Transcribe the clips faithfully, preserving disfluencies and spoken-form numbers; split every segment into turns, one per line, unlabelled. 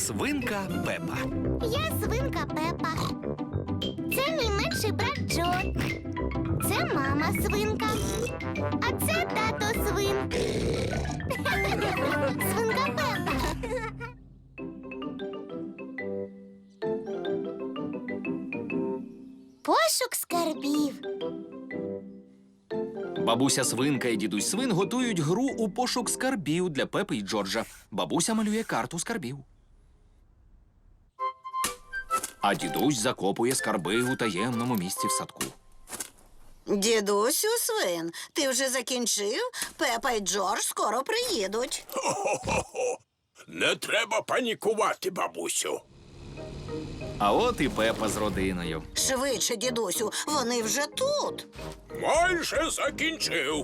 Свинка Пепа.
Я свинка Пепа. Це мій менший брат Джо. Це мама свинка. А це тато свин. Свинка Пепа. Пошук скарбів.
Бабуся свинка і дідусь свин готують гру у пошук скарбів для Пепи і Джорджа. Бабуся малює карту скарбів. А дідусь закопує скарби у таємному місці в садку.
Дідусю свин, ти вже закінчив? Пепа і Джордж скоро приїдуть.
Хо-хо-хо! Не треба панікувати, бабусю.
А от і Пепа з родиною.
Швидше, дідусю, вони вже тут.
Майже закінчив.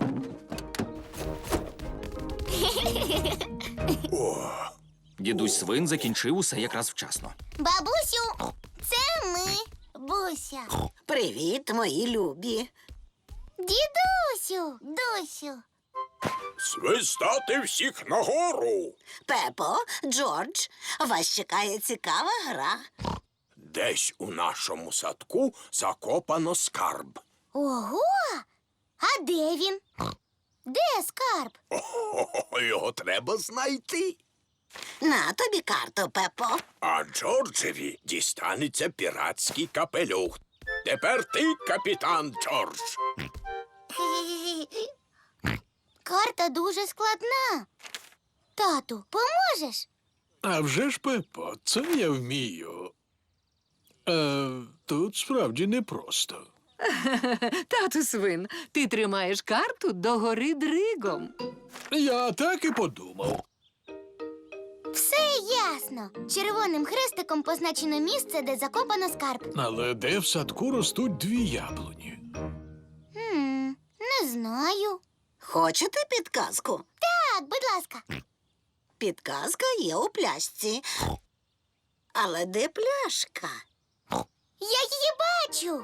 О,
Дідусь свин закінчив усе якраз вчасно.
Бабусю, це ми. Буся.
Привіт, мої любі.
Дідусю, Дусю.
свистати всіх нагору.
Пепо, Джордж, вас чекає цікава гра.
Десь у нашому садку закопано скарб.
Ого! А де він? Де скарб?
О, його треба знайти.
На тобі карту, Пепо.
А Джорджеві дістанеться піратський капелюх. Тепер ти, капітан Джордж.
Карта дуже складна. Тату, поможеш?
А вже ж, Пепо, це я вмію. Е, тут справді непросто.
Тату свин, ти тримаєш карту догори дригом.
Я так і подумав.
Все ясно. Червоним хрестиком позначено місце, де закопано скарб.
Але де в садку ростуть дві яблуні?
Хм, не знаю.
Хочете підказку?
Так, будь ласка.
Підказка є у пляшці. Але де пляшка?
Я її бачу.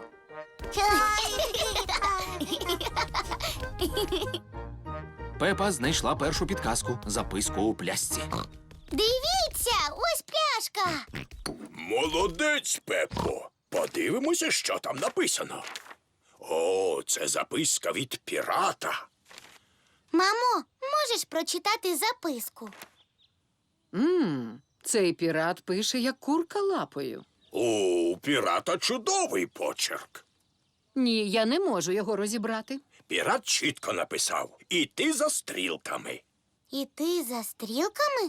Пепа знайшла першу підказку – записку у пляшці.
Дивіться, ось пляшка.
Молодець, Пеппо. Подивимося, що там написано. О, це записка від пірата.
Мамо, можеш прочитати записку?
Мм, цей пірат пише, як курка лапою.
У пірата чудовий почерк.
Ні, я не можу його розібрати.
Пірат чітко написав «Іти за стрілками».
Іти за стрілками?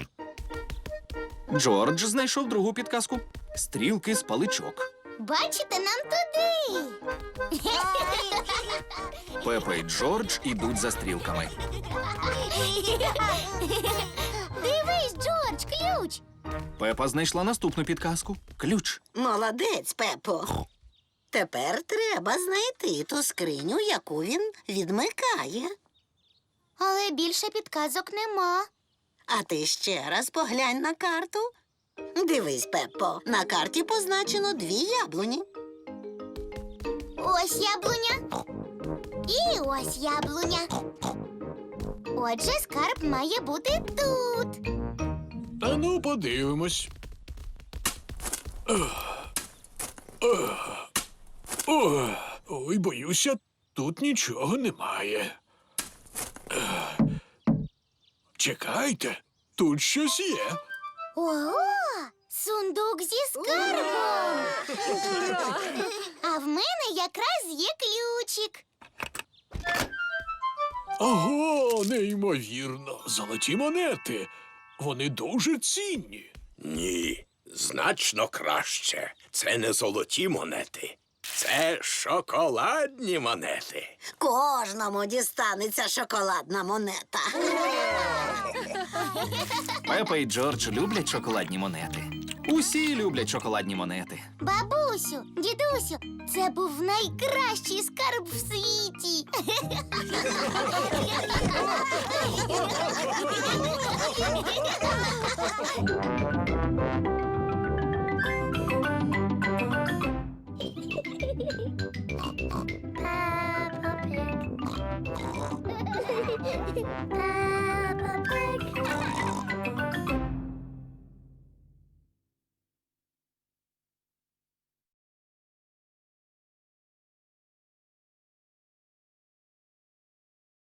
Джордж знайшов другу підказку – стрілки з паличок.
Бачите, нам туди.
Пепа і Джордж ідуть за стрілками.
Дивись, Джордж, ключ.
Пепа знайшла наступну підказку – ключ.
Молодець, Пепо. Тепер треба знайти ту скриню, яку він відмикає.
Але більше підказок нема.
А ти ще раз поглянь на карту. Дивись, Пеппо, на карті позначено дві яблуні.
Ось яблуня. І ось яблуня. Отже, скарб має бути тут.
А ну, подивимось. Ох. Ох. Ох. Ой, боюся, тут нічого немає. Ех. Чекайте, тут щось є.
Ого! Сундук зі скарбом. А в мене якраз є ключик.
Ого, неймовірно. Золоті монети. Вони дуже цінні.
Ні, значно краще. Це не золоті монети. Це шоколадні монети.
Кожному дістанеться шоколадна монета.
Пепа і Джордж люблять шоколадні монети. Усі люблять шоколадні монети.
Бабусю, дідусю, це був найкращий скарб в світі. Peppa Pig.